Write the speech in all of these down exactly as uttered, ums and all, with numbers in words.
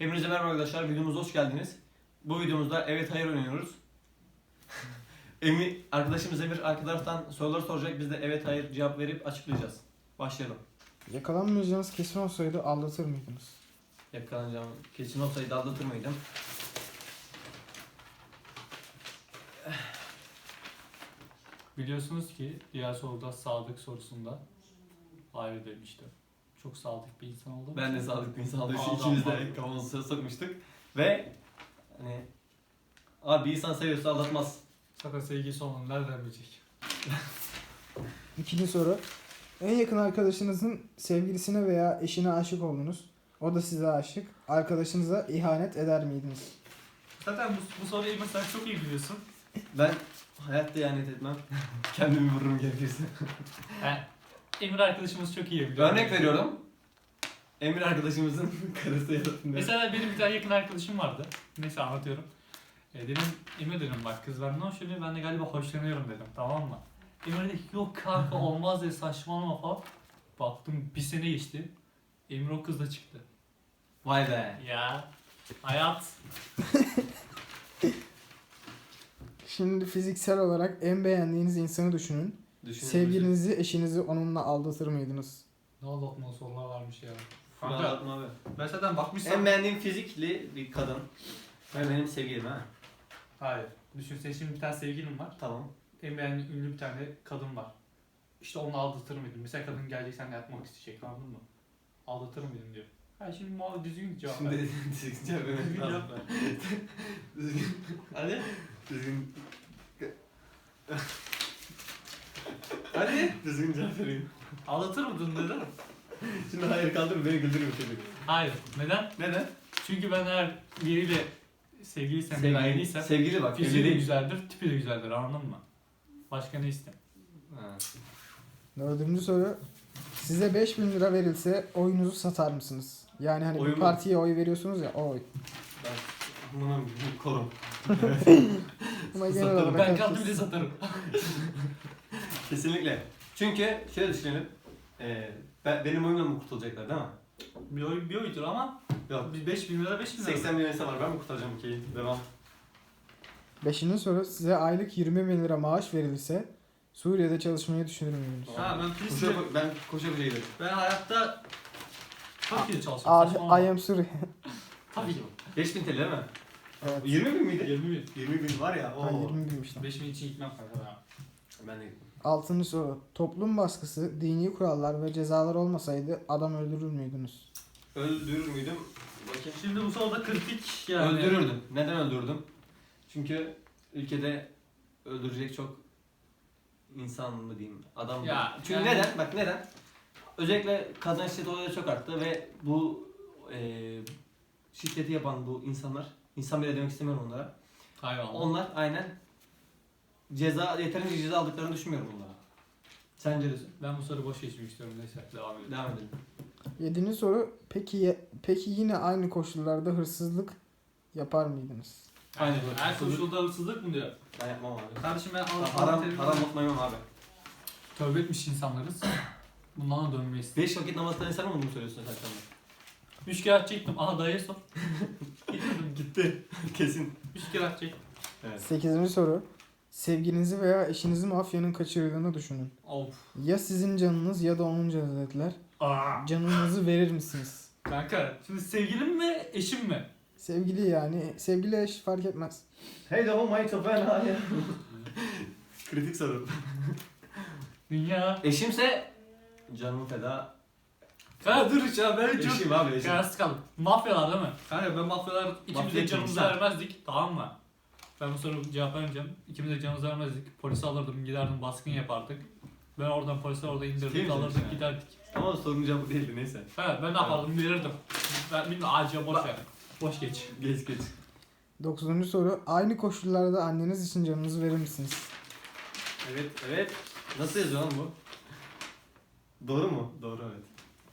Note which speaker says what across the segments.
Speaker 1: Hepinize merhaba arkadaşlar, videomuza hoş geldiniz. Bu videomuzda evet hayır oynuyoruz. Emir, arkadaşımız Emir arka taraftan soruları soracak, biz de evet hayır cevap verip açıklayacağız. Başlayalım.
Speaker 2: Yakalanmayacağınız kesin olsaydı aldatır mıydınız?
Speaker 1: Yakalanacağım kesin olsaydı aldatır mıydım?
Speaker 3: Biliyorsunuz ki diğer soruda sadık sorusunda hayır demiştim. Çok sadık bir insan oldum.
Speaker 1: Ben de sadık bir insan olduğum için
Speaker 3: Adam
Speaker 1: ikimiz
Speaker 3: var.
Speaker 1: de kafamızı sokmuştuk. Ve hani abi bir insan seviyorsa aldatmaz.
Speaker 3: Zaten sevgisi olan nereden bilecek?
Speaker 2: İkinci soru. En yakın arkadaşınızın sevgilisine veya eşine aşık oldunuz. O da size aşık. Arkadaşınıza ihanet eder miydiniz?
Speaker 3: Zaten bu, bu soruyu Emir sen çok iyi biliyorsun.
Speaker 1: Ben hayatta ihanet etmem. Kendimi vururum gerekirse.
Speaker 3: He. Emir arkadaşımız çok iyi biliyor.
Speaker 1: Örnek veriyorum. Emir arkadaşımızın karısı ya da
Speaker 3: Mesela benim bir tane yakın arkadaşım vardı. Neyse anlatıyorum. E, dedim Emir dedim bak kız benden hoşlanıyor, ben de galiba hoşlanıyorum dedim, tamam mı? Emir dedi yok kanka olmaz dedi, saçmalama falan. Baktım bir sene geçti. Emir o kızla çıktı.
Speaker 1: Vay be.
Speaker 3: Ya hayat.
Speaker 2: Şimdi fiziksel olarak en beğendiğiniz insanı düşünün.
Speaker 1: Düşünün.
Speaker 2: Sevgilinizi, eşinizi onunla aldatır mıydınız?
Speaker 3: Ne aldatmalı sorular varmış ya.
Speaker 1: Kanka.
Speaker 3: Kanka
Speaker 1: Anlatma abi.
Speaker 3: ben zaten bakmışsam...
Speaker 1: En beğendiğim fizikli bir kadın. Ve benim sevgilim ha.
Speaker 3: Hayır. Düşünsene şimdi bir tane sevgilim var.
Speaker 1: Tamam.
Speaker 3: En beğendiğim ünlü bir tane kadın var. İşte onu aldatır mıydın? Mesela kadın gelecek seninle yatmak isteyecek, anladın mı? Aldatır mıydın diyor. Ha şimdi muhabbet düzgün cevap ver.
Speaker 1: Şimdi düzgün cevap vermek
Speaker 3: Düzgün
Speaker 1: lazım.
Speaker 3: cevap ver.
Speaker 1: Düzgün. Hadi. Düzgün. Hadi. Düzgün cevap vereyim.
Speaker 3: Aldatır mıydın neden?
Speaker 1: Şimdi hayır kaldır beni güldürme çocuk.
Speaker 3: Hayır. Neden?
Speaker 1: Neden?
Speaker 3: Çünkü ben eğer biriyle sevgiliysem,
Speaker 1: Sevgili,
Speaker 3: beğendiysem
Speaker 1: sevgili bak.
Speaker 3: fiziği de
Speaker 1: evli-
Speaker 3: güzeldir, tipi de güzeldir, anladın mı? Başka ne isteyeyim?
Speaker 1: Ha.
Speaker 2: Dördüncü soru. Size beş bin lira verilse oyunuzu satar mısınız? Yani hani
Speaker 1: Oyumu-
Speaker 2: bir partiye oy veriyorsunuz ya, o oy.
Speaker 1: Ben bunu korum.
Speaker 2: Ama genel
Speaker 1: Satarım.
Speaker 2: olarak
Speaker 3: Ben
Speaker 2: herkes-
Speaker 3: kaldım bile satarım.
Speaker 1: Kesinlikle. Çünkü şöyle düşünelim. Ee, ben, benim oyunla mı kurtulacaklar değil mi?
Speaker 3: Bir oy bir oydur ama
Speaker 1: Yok.
Speaker 3: bir beş bin lira beş bin lira.
Speaker 1: seksen milyon insan var. Ben mi kurtaracağım ülkeyi? Devam.
Speaker 2: Beşinci soru. Size aylık yirmi bin lira maaş verilse Suriye'de çalışmayı düşünür müydünüz?
Speaker 3: Ha ben Filistin'de,
Speaker 1: Koşa, ben koşa koşa giderim.
Speaker 3: ben hayatta Türkiye'de çalışıyorum.
Speaker 2: Ar
Speaker 3: Saçmalama.
Speaker 2: I am Suriye.
Speaker 3: Tabii ki.
Speaker 1: beş bin T L değil mi?
Speaker 2: Evet.
Speaker 1: yirmi bin miydi?
Speaker 3: yirmi bin.
Speaker 1: yirmi bin var ya.
Speaker 2: Ha,
Speaker 1: Oo.
Speaker 2: yirmi binmiş lan.
Speaker 3: beş bin için gitmem kanka ya.
Speaker 1: Ben de gittim.
Speaker 2: Altıncı soru. Toplum baskısı, dini kurallar ve cezalar olmasaydı adam öldürür müydünüz?
Speaker 1: Öldürür müydüm? Bakayım.
Speaker 3: Şimdi bu soruda kritik yani.
Speaker 1: Öldürürdüm. Neden öldürdüm? Çünkü ülkede öldürecek çok insan mı diyeyim, adam mı?
Speaker 3: Ya,
Speaker 1: Çünkü
Speaker 3: yani-
Speaker 1: neden? Bak neden? Özellikle kadın şiddet olayları çok arttı ve bu e, şiddeti yapan bu insanlar, insan bile demek istemiyorum onlara.
Speaker 3: Hayvan.
Speaker 1: Onlar aynen ceza, yeterince ceza aldıklarını düşünmüyorum onlara. Sence de?
Speaker 3: Ben bu soruyu boş geçmek istiyorum, neyse devam edelim.
Speaker 1: Devam edelim.
Speaker 2: Yedinci soru. Peki ye- peki yine aynı koşullarda hırsızlık yapar mıydınız?
Speaker 1: Aynen
Speaker 3: Yani
Speaker 1: böyle.
Speaker 3: her koşulda hırsızlık mı diyor?
Speaker 1: Ben yapmam abi.
Speaker 3: Kardeşim ben
Speaker 1: Ha-
Speaker 3: Allah'ın
Speaker 1: Haram,
Speaker 3: terimini-
Speaker 1: haram unutmayamam abi.
Speaker 3: Tövbe etmiş insanlarız. Bundan da dönmeyiz.
Speaker 1: Beş vakit namaz kılan insan mı bunu söylüyorsun sen sana?
Speaker 3: Üç kere çektim. Aha dayıya sor. Gitmedim.
Speaker 1: Gitti. Kesin.
Speaker 3: Üç kere çektim.
Speaker 1: Evet.
Speaker 2: Sekizinci soru. Sevgilinizi veya eşinizi mafyanın kaçırdığını düşünün.
Speaker 3: Of.
Speaker 2: Ya sizin canınız ya da onun canı dediler.
Speaker 3: Aa.
Speaker 2: Canınızı verir misiniz?
Speaker 3: Kanka şimdi sevgilim mi eşim mi?
Speaker 2: Sevgili yani. Sevgili eş fark etmez.
Speaker 1: Hey de my to ben ya. Kritik soru.
Speaker 3: Dünya.
Speaker 1: Eşimse canımı feda.
Speaker 3: Kanka dur hiç ya ben çok...
Speaker 1: Eşim abi eşim.
Speaker 3: Kararsız kaldım. Mafyalar değil mi? Kanka ben mafyalar ikimiz
Speaker 1: Mafya
Speaker 3: de canımızı
Speaker 1: kimse.
Speaker 3: vermezdik, tamam mı? Ben bu soruya cevap vermeyeceğim. İkimiz de canımızı vermezdik. Polisi alırdım, giderdim, baskın yapardık. Ben oradan polisi orada
Speaker 1: Değil
Speaker 3: indirdik,
Speaker 1: mi
Speaker 3: alırdık,
Speaker 1: sen?
Speaker 3: giderdik.
Speaker 1: Ama sorunun cevabı değildi neyse.
Speaker 3: Ha, ben ne yapardım verirdim. Ben bilmiyorum, acil boş ver. Boş geç.
Speaker 1: Geç geç.
Speaker 2: Dokuzuncu soru. Aynı koşullarda anneniz için canınızı verir misiniz?
Speaker 1: Evet evet. Nasıl yazıyor lan bu? Doğru mu? Doğru evet.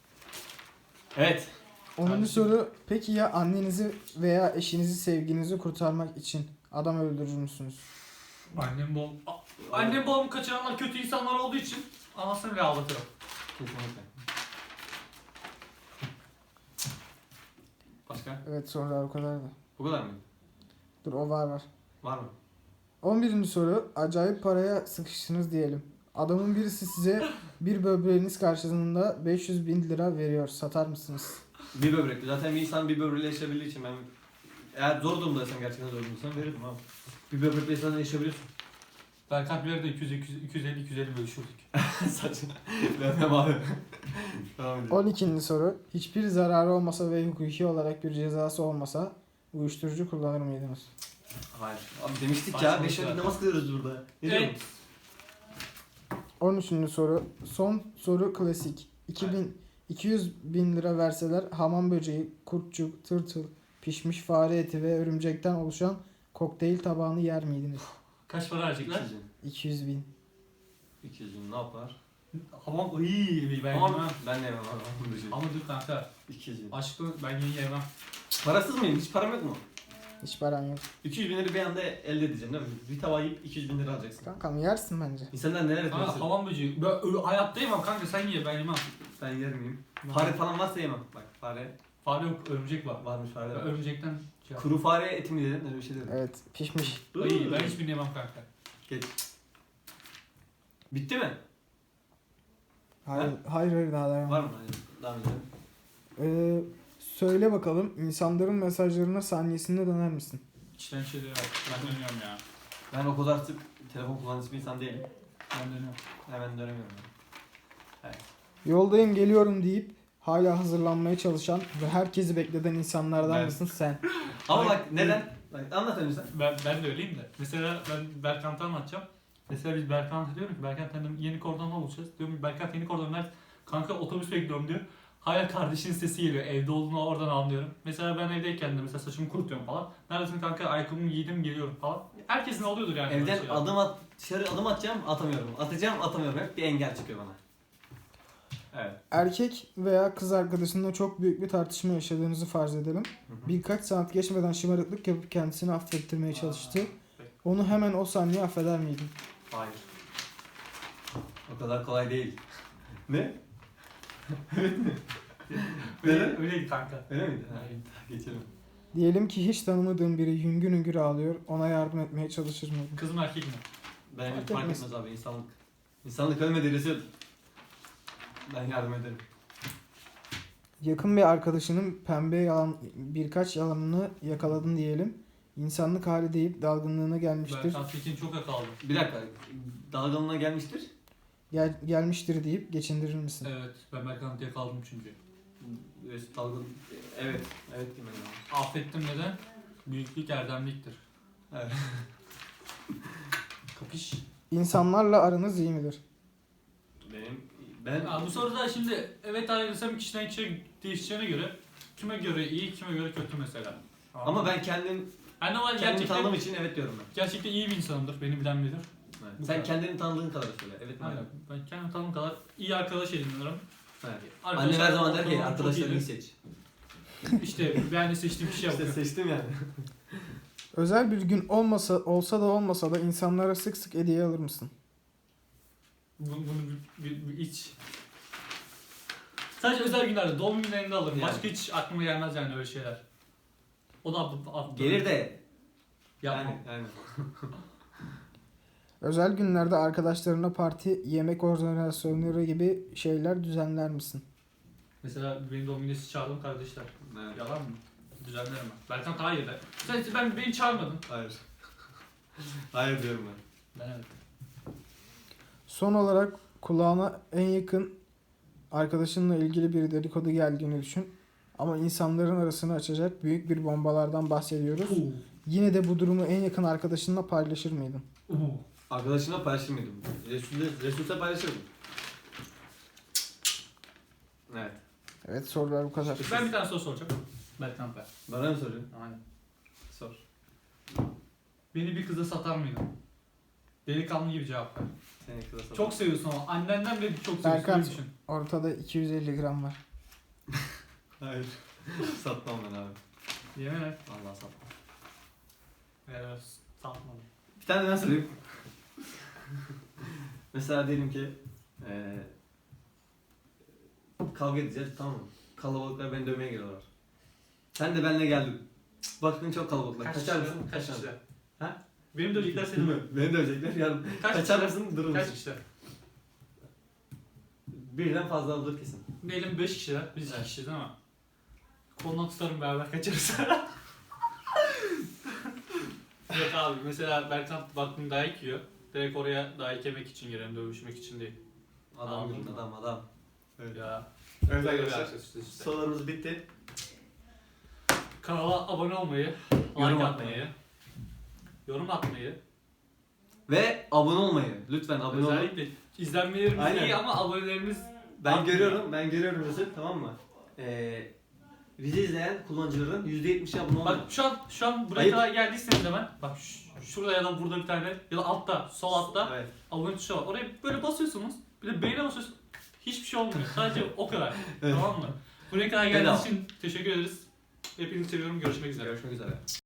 Speaker 1: Evet.
Speaker 2: Onuncu
Speaker 3: Kardeşim.
Speaker 2: soru. Peki ya annenizi veya eşinizi, sevginizi kurtarmak için adam öldürür müsünüz?
Speaker 3: Annem babam... A- Annem babamı kaçıranlar kötü insanlar olduğu için anasını bile ağlatırım.
Speaker 1: Kesinlikle. Başka?
Speaker 2: Evet sorular o kadar da.
Speaker 1: Bu kadar mı?
Speaker 2: Dur o var var.
Speaker 1: Var mı?
Speaker 2: on birinci soru. Acayip paraya sıkıştınız diyelim. Adamın birisi size bir böbreğiniz karşılığında beş yüz bin lira veriyor. Satar mısınız?
Speaker 1: Bir böbrek. Zaten bir insan bir böbreğiyle yaşayabildiği için ben eğer zor durumdaysam, gerçekten zor durumdaysam veririm abi. Bir böbrekle insan yaşayabiliyorsun.
Speaker 3: Berkant bir de iki yüz, iki yüz, iki yüz elli, iki yüz elli bölüşürdük.
Speaker 1: Saçma. Vermem abi. Tamam edelim.
Speaker 2: on ikinci soru. Hiçbir zararı olmasa ve hukuki olarak bir cezası olmasa uyuşturucu kullanır mıydınız?
Speaker 1: Hayır. Abi demiştik
Speaker 3: Saçma
Speaker 1: ya. Beş
Speaker 3: işler.
Speaker 1: vakit namaz kılıyoruz burada. Ne
Speaker 3: Evet.
Speaker 1: diyorsun?
Speaker 2: on üçüncü soru. Son soru klasik. iki bin, iki yüz bin lira verseler hamam böceği, kurtçuk, tırtıl, pişmiş fare eti ve örümcekten oluşan kokteyl tabağını yer miydiniz?
Speaker 3: Kaç para harcayacaklar?
Speaker 1: iki yüz bin.
Speaker 2: iki yüz bin.
Speaker 1: iki yüz bin ne yapar?
Speaker 3: Hamam iyi ben
Speaker 1: Ama
Speaker 3: yemem.
Speaker 1: ben de yemem abi. Hamam böceği.
Speaker 3: Ama dur kanka.
Speaker 1: iki yüz bin.
Speaker 3: Aşkı ben yeni yemem.
Speaker 1: Parasız mıyım? Hiç param yok mu?
Speaker 2: Hiç param yok.
Speaker 1: iki yüz bin lira bir anda elde edeceğim değil mi? Bir tava yiyip iki yüz bin lira alacaksın.
Speaker 2: Kankam yersin bence.
Speaker 1: İnsanlar neler
Speaker 3: Kanka
Speaker 1: etmesi?
Speaker 3: hamam böceği. Ben ö- hayatta yemem kanka sen ye ben yemem.
Speaker 1: Ben yer miyim? Fare falan varsa yemem. Bak fare
Speaker 3: Fare yok örümcek var.
Speaker 1: varmış fare.
Speaker 3: Ben
Speaker 1: var.
Speaker 3: örümcekten şey yap-
Speaker 1: Kuru fare eti mi dedin? Öyle bir şey dedin.
Speaker 2: Evet pişmiş.
Speaker 3: İyi ben hiçbirini yemem kanka.
Speaker 1: Bitti mi?
Speaker 2: Hayır hayır, hayır daha devam.
Speaker 1: Var mı? Hadi devam edelim.
Speaker 2: Ee, söyle bakalım insanların mesajlarına saniyesinde döner misin?
Speaker 3: İçten şeyleri yap. Ben dönüyorum ya.
Speaker 1: Ben o kadar sık telefon kullanıcısı bir insan değilim.
Speaker 3: Ben dönüyorum.
Speaker 1: Hemen dönemiyorum. Yani.
Speaker 2: Yoldayım geliyorum deyip hala hazırlanmaya çalışan ve herkesi bekleten insanlardan
Speaker 1: Ben.
Speaker 2: mısın sen?
Speaker 1: Ama
Speaker 3: Bak-
Speaker 1: bak neden? Bak anlat önce sen.
Speaker 3: Ben, ben de öyleyim de. Mesela ben Berkant'ı anlatacağım. Mesela biz Berkant'a diyorum ki Berkant dedim yeni kordonda buluşacağız. Diyorum ki Berkant yeni kordon nerede? Kanka otobüs bekliyorum diyor. Hala kardeşinin sesi geliyor. Evde olduğunu oradan anlıyorum. Mesela ben evdeyken de mesela saçımı kurutuyorum falan. Neredesin kanka? Ayakkabımı giydim geliyorum falan. Herkesin oluyordur yani. böyle
Speaker 1: Evden
Speaker 3: şeyler.
Speaker 1: adım at, dışarı adım atacağım atamıyorum. Atacağım atamıyorum. Hep bir engel çıkıyor bana. Evet.
Speaker 2: Erkek veya kız arkadaşınla çok büyük bir tartışma yaşadığınızı farz edelim.
Speaker 1: Hı hı.
Speaker 2: Birkaç saat geçmeden şımarıklık yapıp kendisini affettirmeye
Speaker 3: Aa,
Speaker 2: çalıştı.
Speaker 3: peki.
Speaker 2: Onu hemen o saniye affeder miydin?
Speaker 1: Hayır. O kadar kolay değil. Ne?
Speaker 3: Öyle,
Speaker 1: Neden?
Speaker 3: öyleydi kanka.
Speaker 1: Öyle miydi? Ha,
Speaker 3: Aynen.
Speaker 1: geçelim.
Speaker 2: Diyelim ki hiç tanımadığın biri hüngür hüngür ağlıyor. Ona yardım etmeye çalışır mıydın?
Speaker 3: Kız mı erkek mi?
Speaker 1: Ben
Speaker 2: Fark
Speaker 1: fark
Speaker 2: etmez.
Speaker 1: etmez abi insanlık. İnsanlık ölmedi Resul. Ben yardım ederim.
Speaker 2: Yakın bir arkadaşının pembe yalan birkaç yalanını yakaladın diyelim. İnsanlık hali deyip dalgınlığına gelmiştir.
Speaker 3: Berkant Tekin çok yakaladı.
Speaker 1: Bir dakika. Dalgınlığına gelmiştir.
Speaker 2: Gel, gelmiştir deyip geçindirir misin?
Speaker 3: Evet ben Berkant'ı yakaladım çünkü.
Speaker 1: Resul dalgın. Evet. Evet diyeyim ben.
Speaker 3: Affettim neden? Büyüklük erdemliktir.
Speaker 1: Evet.
Speaker 3: Kapış.
Speaker 2: İnsanlarla aranız iyi midir?
Speaker 1: Benim ben
Speaker 3: Ya bu soruda şimdi evet ayrılsam kişiden kişiye değişeceğine göre kime göre iyi kime göre kötü mesela.
Speaker 1: ama ben kendim
Speaker 3: yani normal
Speaker 1: kendimi
Speaker 3: gerçekten,
Speaker 1: tanıdığım için evet diyorum ben.
Speaker 3: gerçekten iyi bir insanımdır. Beni bilen bilir.
Speaker 1: Evet.
Speaker 3: Bu
Speaker 1: Sen
Speaker 3: kadar.
Speaker 1: kendini tanıdığın kadar söyle. Evet mi?
Speaker 3: Aynen. Ben kendimi tanıdığım kadar iyi arkadaş ediniyorum.
Speaker 1: Evet.
Speaker 3: Arkadaşlar-
Speaker 1: Annem her zaman der ki
Speaker 3: ortamım çok
Speaker 1: arkadaşlarını
Speaker 3: iyidir.
Speaker 1: seç.
Speaker 3: İşte ben de seçtiğim kişiye
Speaker 1: İşte
Speaker 3: bakıyorum.
Speaker 1: seçtim yani.
Speaker 2: Özel bir gün olmasa olsa da olmasa da insanlara sık sık hediye alır mısın?
Speaker 3: Bunu, bunu bir, bir, bir iç. Sadece özel günlerde, doğum günlerinde alırım.
Speaker 1: Yani.
Speaker 3: Başka hiç aklıma gelmez yani öyle şeyler. O da abla, abla.
Speaker 1: Gelir de
Speaker 3: Yapma.
Speaker 1: yani, yani.
Speaker 2: Özel günlerde arkadaşlarına parti, yemek organizasyonları gibi şeyler düzenler misin?
Speaker 3: Mesela benim doğum gününe sizi çağırdım kardeşler.
Speaker 1: Evet.
Speaker 3: Yalan mı? Düzenlerim ben. Berkant hayır de. Sen ben beni çağırmadın.
Speaker 1: Hayır. Hayır diyorum ben.
Speaker 3: Ben evet.
Speaker 2: Son olarak kulağına en yakın arkadaşınla ilgili bir dedikodu geldiğini düşün. Ama insanların arasını açacak büyük bir bombalardan bahsediyoruz.
Speaker 3: Uuu.
Speaker 2: Yine de bu durumu en yakın arkadaşınla paylaşır mıydın?
Speaker 3: Uuu.
Speaker 1: Arkadaşımla paylaşır mıydım? Resul'de, Resul'de paylaşırdım. Evet.
Speaker 2: Evet sorular bu kadar.
Speaker 3: Ben bir tane soru soracağım. Berkant ben.
Speaker 1: Bana mı soruyorsun?
Speaker 3: Aynen.
Speaker 1: Sor.
Speaker 3: Beni bir kıza satar mıydın? Delikanlı gibi cevap ver.
Speaker 1: Seni kıza sor.
Speaker 3: Çok seviyorsun ama annenden bile çok seviyorsun.
Speaker 2: Berkant.
Speaker 3: Öyle düşün.
Speaker 2: Ortada iki yüz elli gram var.
Speaker 1: Hayır. Satmam ben abi.
Speaker 3: Yemin et.
Speaker 1: Vallahi satmam.
Speaker 3: Evet, satmadım.
Speaker 1: Bir tane ben sorayım. Mesela diyelim ki eee kavga edeceğiz tamam mı? Kalabalıklar beni dövmeye geliyorlar. Sen de benimle geldin. Bakın çok kalabalıklar.
Speaker 3: Kaç
Speaker 1: Kaçar
Speaker 3: kişi?
Speaker 1: mısın?
Speaker 3: Kaç
Speaker 1: Kaçar.
Speaker 3: kişi?
Speaker 1: Ha?
Speaker 3: Benim dövecekler seni mi?
Speaker 1: Beni dövecekler yarın.
Speaker 3: Kaç
Speaker 1: Kaçar
Speaker 3: kişi?
Speaker 1: mısın? Durur
Speaker 3: Kaç
Speaker 1: musun?
Speaker 3: kişi?
Speaker 1: Birden fazla olur kesin.
Speaker 3: Diyelim beş kişiler. Biz iki
Speaker 1: Evet.
Speaker 3: kişiyiz değil mi? Kolundan tutarım beraber kaçarız. Yok abi mesela Berkan baktım dayak yiyor. Direkt oraya dayak yemek için girelim, dövüşmek için değil.
Speaker 1: Adam
Speaker 3: Anladım.
Speaker 1: gibi adam adam. Evet.
Speaker 3: Ya.
Speaker 1: Evet
Speaker 3: böyle bir
Speaker 1: arkadaşlar.
Speaker 3: arkadaşız işte.
Speaker 1: Sorularımız bitti.
Speaker 3: Kanala abone olmayı,
Speaker 1: Yorum
Speaker 3: like
Speaker 1: atmayı.
Speaker 3: atmayı, yorum atmayı,
Speaker 1: Ve abone olmayı. Lütfen abone olun.
Speaker 3: özellikle izlenmelerimiz
Speaker 1: Aynen.
Speaker 3: iyi ama abonelerimiz
Speaker 1: Ben
Speaker 3: artmıyor.
Speaker 1: görüyorum, ben görüyorum Mesut, tamam mı? Ee, bizi izleyen kullanıcıların yüzde yetmişi abone oldu.
Speaker 3: Bak şu an şu an buraya
Speaker 1: Hayır.
Speaker 3: kadar geldiyseniz hemen bak ş- şurada ya da burada bir tane ya da altta sol altta
Speaker 1: Evet.
Speaker 3: abone tuşu var. Oraya böyle basıyorsunuz. Bir de beğene basıyorsunuz. Hiçbir şey olmuyor. Sadece o kadar.
Speaker 1: Evet.
Speaker 3: Tamam mı? Buraya kadar
Speaker 1: Bedava.
Speaker 3: geldiğiniz için teşekkür ederiz. Hepinizi seviyorum. Görüşmek üzere.
Speaker 1: Görüşmek üzere.